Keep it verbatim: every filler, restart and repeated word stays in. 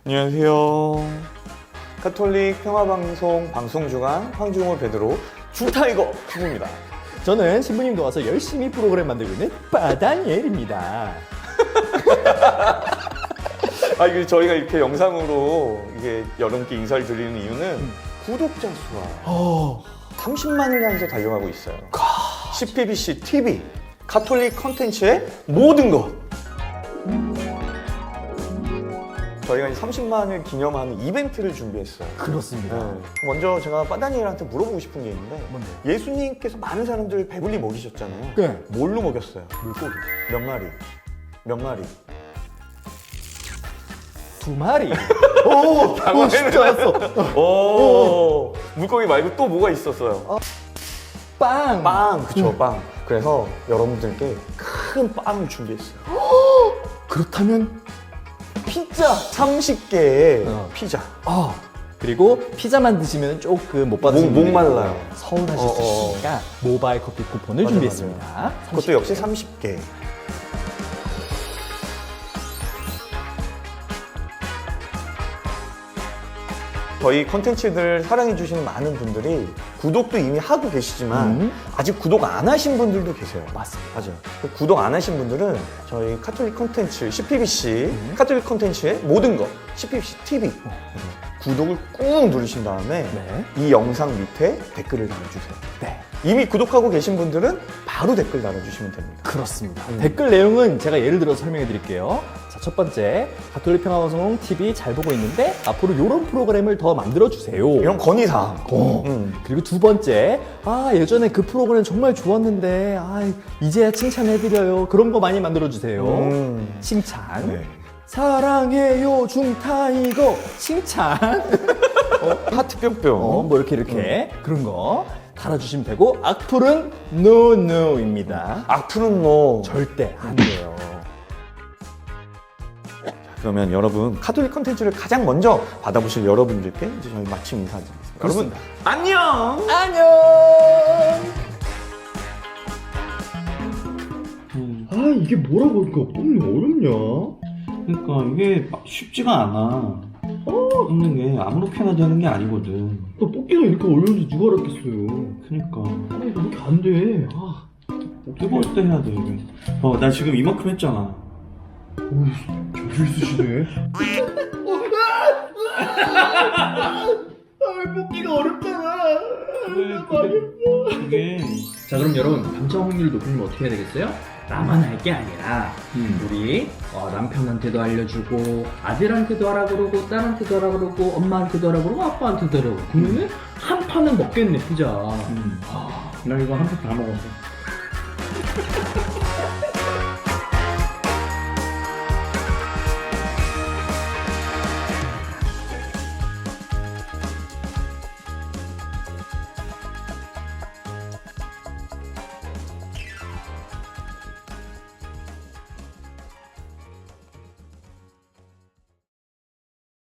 안녕하세요. 가톨릭 평화방송 방송주간 황중호 베드로 주타이거 주부입니다. 저는 신부님 도와서 열심히 프로그램 만들고 있는 빠다니엘입니다. 아, 이게 저희가 이렇게 영상으로 이게 여러분께 인사를 드리는 이유는 음. 구독자 수가 어... 삼십만을 향해서 달려가고 있어요. 씨피비씨 티비, 가톨릭 컨텐츠의 모든 것. 저희가 이제 삼십만을 기념하는 이벤트를 준비했어요. 그렇습니다. 네. 먼저 제가 빠다니엘한테 물어보고 싶은 게 있는데 뭔데요? 예수님께서 많은 사람들을 배불리 먹이셨잖아요. 네. 뭘로 먹였어요? 물고기. 몇 마리? 몇 마리? 두 마리. 오, 오, 진짜 왔어. 오, 물고기 말고 또 뭐가 있었어요? 어. 빵. 빵, 그쵸, 응. 빵. 그래서 여러분들께 큰 빵을 준비했어요. 그렇다면 피자. 삼십 개의 어. 피자. 아, 그리고 피자만 드시면 조금 못 목, 받으시는 목 분들이 말라요. 서운하실 어, 수 어. 있으니까 모바일 커피 쿠폰을 맞아, 준비했습니다. 그것도 역시 삼십 개. 저희 콘텐츠들 사랑해주시는 많은 분들이 구독도 이미 하고 계시지만 음. 아직 구독 안 하신 분들도 계세요. 맞습니다. 맞아요. 구독 안 하신 분들은 저희 가톨릭 콘텐츠 씨피비씨 음. 가톨릭 콘텐츠의 모든 것 씨피비씨 티비 어. 구독을 꾹 누르신 다음에 네. 이 영상 밑에 댓글을 달아주세요. 네. 이미 구독하고 계신 분들은 바로 댓글 달아주시면 됩니다. 그렇습니다. 음. 댓글 내용은 제가 예를 들어서 설명해 드릴게요. 자, 첫 번째, 가톨릭 평화방송 티비 잘 보고 있는데 앞으로 이런 프로그램을 더 만들어 주세요. 이런 건의사항. 어. 음. 그리고 두 번째, 아 예전에 그 프로그램 정말 좋았는데 아 이제야 칭찬해드려요. 그런 거 많이 만들어 주세요. 음. 칭찬. 네. 사랑해요 중타이거 칭찬. 하트 뿅뿅. 어, 뭐 이렇게 이렇게 그런 거 달아주시면 되고 악플은 no no입니다. 악플은 뭐 절대 안 돼요. 그러면 여러분 가톨릭 컨텐츠를 가장 먼저 받아보실 여러분들께 이제 저희 마침 인사드리겠습니다. 여러분 그렇습니다. 안녕. 안녕. 아 이게 뭐라고 이렇게 뽑는 게 어렵냐? 그러니까 이게 막 쉽지가 않아. 어, 있는 게 아무렇게나 되는 게 아니거든. 또 뽑기가 이렇게 어려운지 누가 알았겠어요. 그러니까 아 이거 이렇게 안 돼. 아 뜨거울 때 해야 돼 이게. 어, 나 지금 이만큼 했잖아. 어우 저기 있으시네. 아 뽑기가 어렵잖아. 그래, 그게, 그게 자 그럼 여러분 당첨 확률 높이면 어떻게 해야 되겠어요? 나만 할 게 아니라 우리 어, 남편한테도 알려주고 아들한테도 하라 그러고 딸한테도 하라 그러고 엄마한테도 하라 그러고 아빠한테도 하라 그러고 그러면 한 판은 먹겠네 피자. 음. 아, 나 이거 한 판 다 먹었어.